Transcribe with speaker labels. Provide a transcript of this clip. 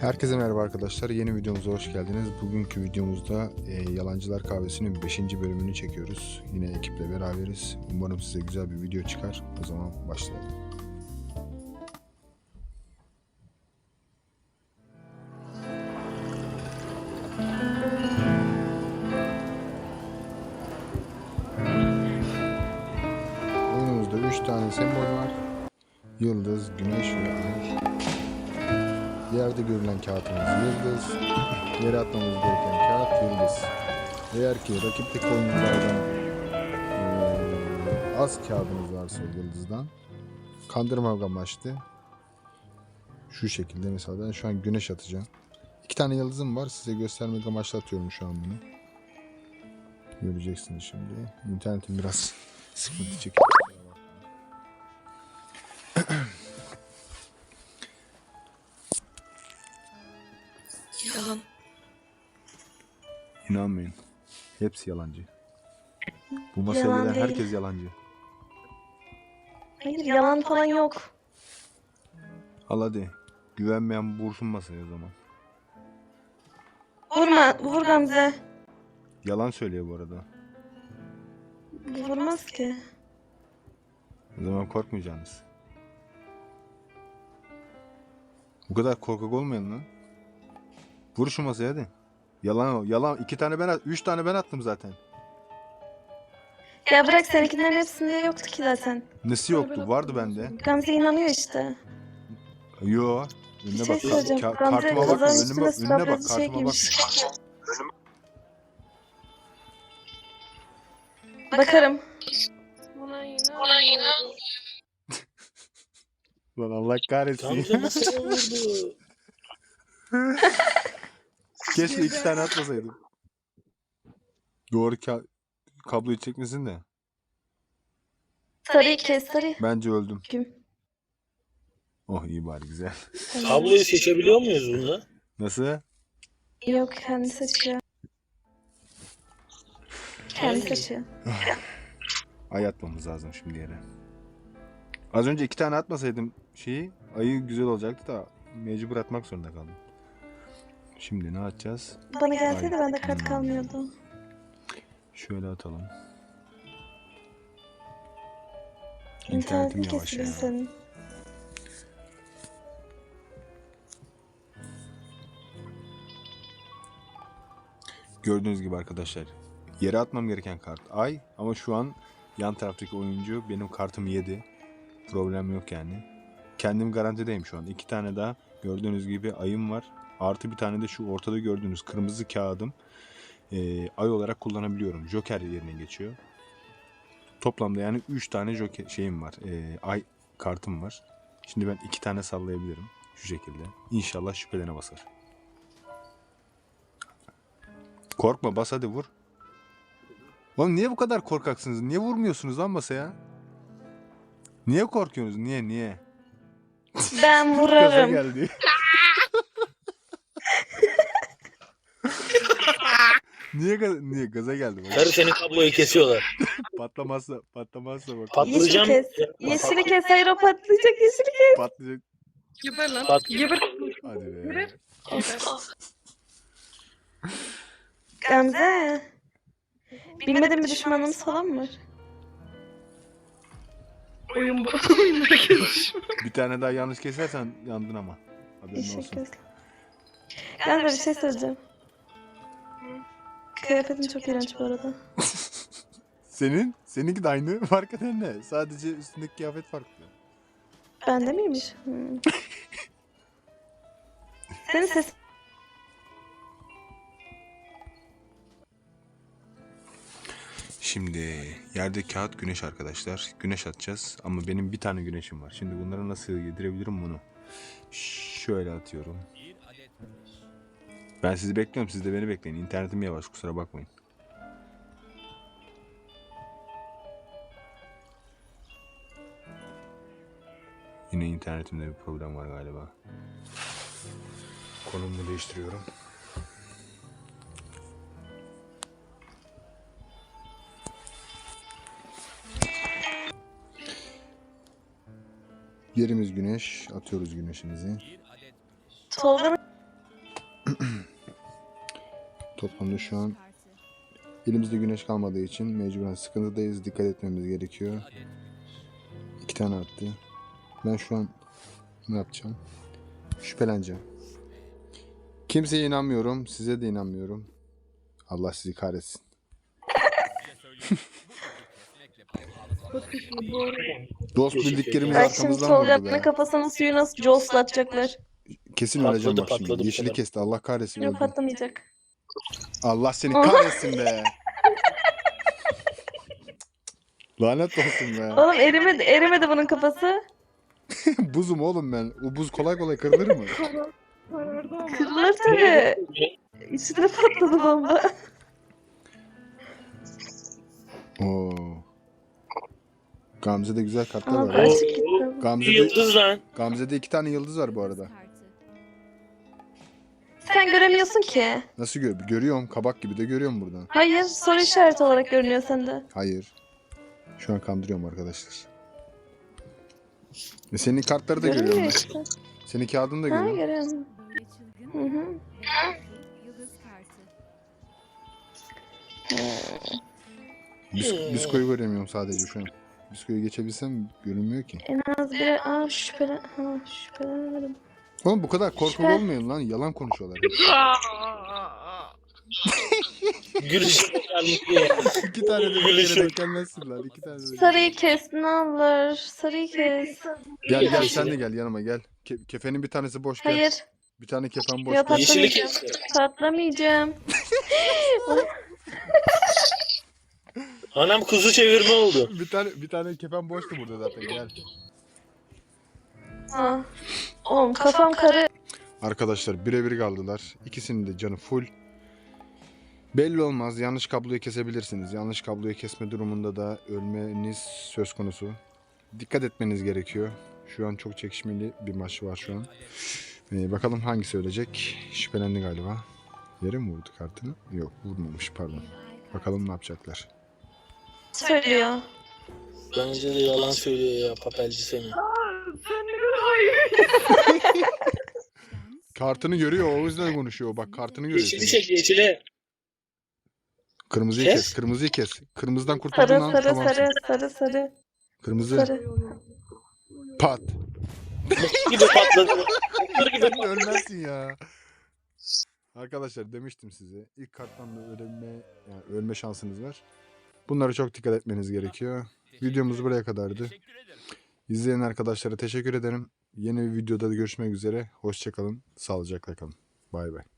Speaker 1: Herkese merhaba arkadaşlar. Yeni videomuza hoş geldiniz. Bugünkü videomuzda Yalancılar Kahvesi'nin 5. bölümünü çekiyoruz. Yine ekiple beraberiz. Umarım size güzel bir video çıkar. O zaman başlayalım. Oyunumuzda 3 tane sembol var. Yıldız, güneş ve ay. Yerde görülen kağıtımız yıldız. Yere atmamız gereken kağıt yıldız. Eğer ki rakipteki oyunculardan az kağıdınız varsa yıldızdan kandırmak amaçlı şu şekilde, mesela ben şu an güneş atacağım. 2 tane yıldızım var, size göstermek amaçlı atıyorum şu an bunu. Göreceksiniz şimdi. İnternetim biraz sıkıntı çekiyor.
Speaker 2: Yalan.
Speaker 1: İnanmayın. Hepsi yalancı. Bu masaya
Speaker 2: Yalan
Speaker 1: gelen
Speaker 2: değil.
Speaker 1: herkes yalancı.
Speaker 2: Hayır, yalan falan yok.
Speaker 1: Al hadi. Güvenmeyen vursun masaya o zaman.
Speaker 2: Vur Gamze.
Speaker 1: Yalan söylüyor bu arada.
Speaker 2: Vurmaz ki.
Speaker 1: O zaman korkmayacaksınız. Bu kadar korkak olmayın lan. Vur şu masaya hadi. Yalan o. Yalan. 2 tane ben 3 tane ben attım zaten.
Speaker 2: Ya bırak, seninkilerin hepsinde yoktu ki zaten.
Speaker 1: Nesi yoktu? Vardı bende.
Speaker 2: Gamze inanıyor işte.
Speaker 1: Yo.
Speaker 2: Bir
Speaker 1: Önüne
Speaker 2: şey
Speaker 1: bak.
Speaker 2: söyleyeceğim. Gamze
Speaker 1: Kartıma bakma.
Speaker 2: kızların üstüne
Speaker 1: Önüne bak.
Speaker 2: sıfır
Speaker 1: Kartıma bakma.
Speaker 2: giymiş. Bakarım.
Speaker 3: Buna inan.
Speaker 1: Lan Allah kahretsin.
Speaker 4: Gamze nasıl vurdu?
Speaker 1: Keşke 2 tane atmasaydım. Doğru kabloyu çekmesin de.
Speaker 2: Sarıyı kes, sarıyı.
Speaker 1: Bence öldüm.
Speaker 2: Kim?
Speaker 1: Oh iyi bari, güzel.
Speaker 4: Kabloyu seçebiliyor muyuz bunda?
Speaker 1: Nasıl?
Speaker 2: Yok, kendi seçiyor. Kendi seçiyor.
Speaker 1: Ay atmamız lazım şimdi yere. Az önce 2 tane atmasaydım ayı güzel olacaktı da mecbur atmak zorunda kaldım. Şimdi ne atacağız?
Speaker 2: Bana gelseydi bende kart kalmıyordu.
Speaker 1: Şöyle atalım.
Speaker 2: İnternetin
Speaker 1: İnternetim yavaş
Speaker 2: kesildi
Speaker 1: ya.
Speaker 2: senin.
Speaker 1: Gördüğünüz gibi arkadaşlar, yere atmam gereken kart ay, ama şu an yan taraftaki oyuncu benim kartımı yedi. Problem yok yani. Kendim garantideyim şu an. 2 tane daha gördüğünüz gibi ayım var. Artı bir tane de şu ortada gördüğünüz kırmızı kağıdım ay olarak kullanabiliyorum. Joker yerine geçiyor. Toplamda yani 3 tane Joker şeyim var. Ay kartım var. Şimdi ben 2 tane sallayabilirim. Şu şekilde. İnşallah şüphelene basar. Korkma, bas hadi, vur. Oğlum niye bu kadar korkaksınız? Niye vurmuyorsunuz lan masaya? Niye korkuyorsunuz? Niye?
Speaker 2: Ben
Speaker 1: Gaza
Speaker 2: vurarım.
Speaker 1: geldi. Niye gaza geldi? Bak.
Speaker 4: Karı senin kabloyu kesiyorlar.
Speaker 1: Patlamazsa bak.
Speaker 2: Yeşili
Speaker 4: Patlayacağım.
Speaker 2: kes. Yeşili kes. Hayır, o patlayacak. Yeşili kes.
Speaker 1: Patlayacak.
Speaker 3: Geber lan.
Speaker 4: Pat.
Speaker 3: Geber.
Speaker 1: Hadi be.
Speaker 3: Geber.
Speaker 2: Gamze. Bilmediğim bir düşmanımız falan mı var?
Speaker 3: Oyun bu. Oyunlara gelişim.
Speaker 1: Bir tane daha yanlış kesersen yandın ama. Haberin
Speaker 2: Yeşil
Speaker 1: olsun.
Speaker 2: kes. Gamze, bir şey söyleyeceğim. Kıyafetin çok iğrenç bu arada.
Speaker 1: Seninki de aynı. Fark eden ne? Sadece üstündeki kıyafet farklı.
Speaker 2: Bende miymiş? Senin ses...
Speaker 1: Şimdi yerde kağıt, güneş arkadaşlar. Güneş atacağız ama benim bir tane güneşim var. Şimdi bunları nasıl yedirebilirim bunu? Şöyle atıyorum. Ben sizi bekliyorum, siz de beni bekleyin. İnternetim yavaş, kusura bakmayın. Yine internetimde bir problem var galiba. Konumumu değiştiriyorum. Yerimiz güneş. Atıyoruz güneşimizi.
Speaker 2: Tolga'nın
Speaker 1: Toplamda şu an elimizde güneş kalmadığı için mecburen sıkıntıdayız. Dikkat etmemiz gerekiyor. 2 tane attı. Ben şu an ne yapacağım? Şüpheleneceğim. Kimseye inanmıyorum. Size de inanmıyorum. Allah sizi kahretsin. Dost bildiklerimiz
Speaker 2: Bak şimdi
Speaker 1: arkamızdan vurdu
Speaker 2: Tolga'nın
Speaker 1: be.
Speaker 2: kafasının suyu nasıl joslatacaklar.
Speaker 1: Kesin
Speaker 4: Patladı,
Speaker 1: öleceğim bak
Speaker 4: patladı
Speaker 1: şimdi.
Speaker 4: bu
Speaker 1: Yeşili
Speaker 4: sefer.
Speaker 1: kesti. Allah kahretsin.
Speaker 2: Yok
Speaker 1: öldüm.
Speaker 2: patlamayacak.
Speaker 1: Allah seni kahretsin be. Lanet olsun be.
Speaker 2: Oğlum erimedi bunun kafası.
Speaker 1: Buzum oğlum ben. O buz kolay kolay kırılır mı?
Speaker 3: Karardı ama.
Speaker 2: Kırılır tabii. İçine patladı bomba.
Speaker 1: Oo. Gamze'de güzel kartlar
Speaker 2: Aa,
Speaker 1: var.
Speaker 2: açık gitti.
Speaker 1: Gamze'de,
Speaker 4: Yıldız lan.
Speaker 1: Gamze'de 2 tane yıldız var bu arada.
Speaker 2: Sen göremiyorsun ki.
Speaker 1: Nasıl görüyorum? Kabak gibi de görüyorum buradan.
Speaker 2: Hayır, soru işareti olarak görünüyor sende.
Speaker 1: Hayır. Şu an kandırıyorum arkadaşlar. Senin kartları da görüyorum
Speaker 2: Görünmüyor
Speaker 1: ben.
Speaker 2: işte.
Speaker 1: Senin kağıdını da
Speaker 2: Ha,
Speaker 1: görüyorum.
Speaker 2: görüyorum. Hı hı.
Speaker 1: Biskoyu göremiyorum sadece şu an. Biskoyu geçebilsem görünmüyor ki.
Speaker 2: En az bir... Aa şüphelenemedim.
Speaker 1: Oğlum bu kadar korkak
Speaker 2: Şüphe.
Speaker 1: olmayın lan. Yalan konuşuyorlar.
Speaker 4: Gülüşüm geldi.
Speaker 1: 2 tane de bir
Speaker 4: Gülüşüm.
Speaker 1: kere denk gelmezsin lan. 2 tane de.
Speaker 2: Sarıyı kes ne olur. Sarıyı kes.
Speaker 1: Gel sen de gel yanıma gel. Kefenin bir tanesi boş gel.
Speaker 2: Hayır.
Speaker 1: Bir tane kefen boş
Speaker 2: Yok,
Speaker 1: gel.
Speaker 4: Yeşili
Speaker 2: patlamayacağım.
Speaker 4: kesti.
Speaker 2: Patlamayacağım.
Speaker 4: Anam kuzu çevirme oldu.
Speaker 1: Bir tane kefen boştu burada zaten gel.
Speaker 2: Ha. Oğlum kafam karı.
Speaker 1: Arkadaşlar birebir kaldılar. İkisinin de canı full. Belli olmaz. Yanlış kabloyu kesebilirsiniz. Yanlış kabloyu kesme durumunda da ölmeniz söz konusu. Dikkat etmeniz gerekiyor. Şu an çok çekişmeli bir maç var şu an. Bakalım hangisi ölecek. Şüphelendi galiba. Yere mi vurdu kartını? Yok vurmamış pardon. Bakalım ne yapacaklar.
Speaker 2: Söylüyor.
Speaker 4: Bence de yalan söylüyor ya papelci seni.
Speaker 3: Sen ne kadar hayır.
Speaker 1: Kartını görüyor o yüzden konuşuyor. Bak kartını görüyor.
Speaker 4: Yeşili
Speaker 1: senin.
Speaker 4: çek yeşili.
Speaker 1: Kırmızıyı
Speaker 4: Kes.
Speaker 1: kes. Kırmızıyı kes. Kırmızıdan kurtuldun
Speaker 2: Sarı
Speaker 1: lan.
Speaker 2: sarı
Speaker 1: Tamamsın.
Speaker 2: sarı.
Speaker 1: Kırmızı.
Speaker 2: Sarı.
Speaker 1: Pat.
Speaker 4: Mıh gibi patladı. Mıh gibi
Speaker 1: Sen de ölmezsin ya. Arkadaşlar demiştim size. İlk karttan da ölme şansınız var. Bunlara çok dikkat etmeniz gerekiyor. Videomuz buraya kadardı. İzleyen arkadaşlara teşekkür ederim. Yeni bir videoda da görüşmek üzere. Hoşça kalın. Sağlıcakla kalın. Bay bay.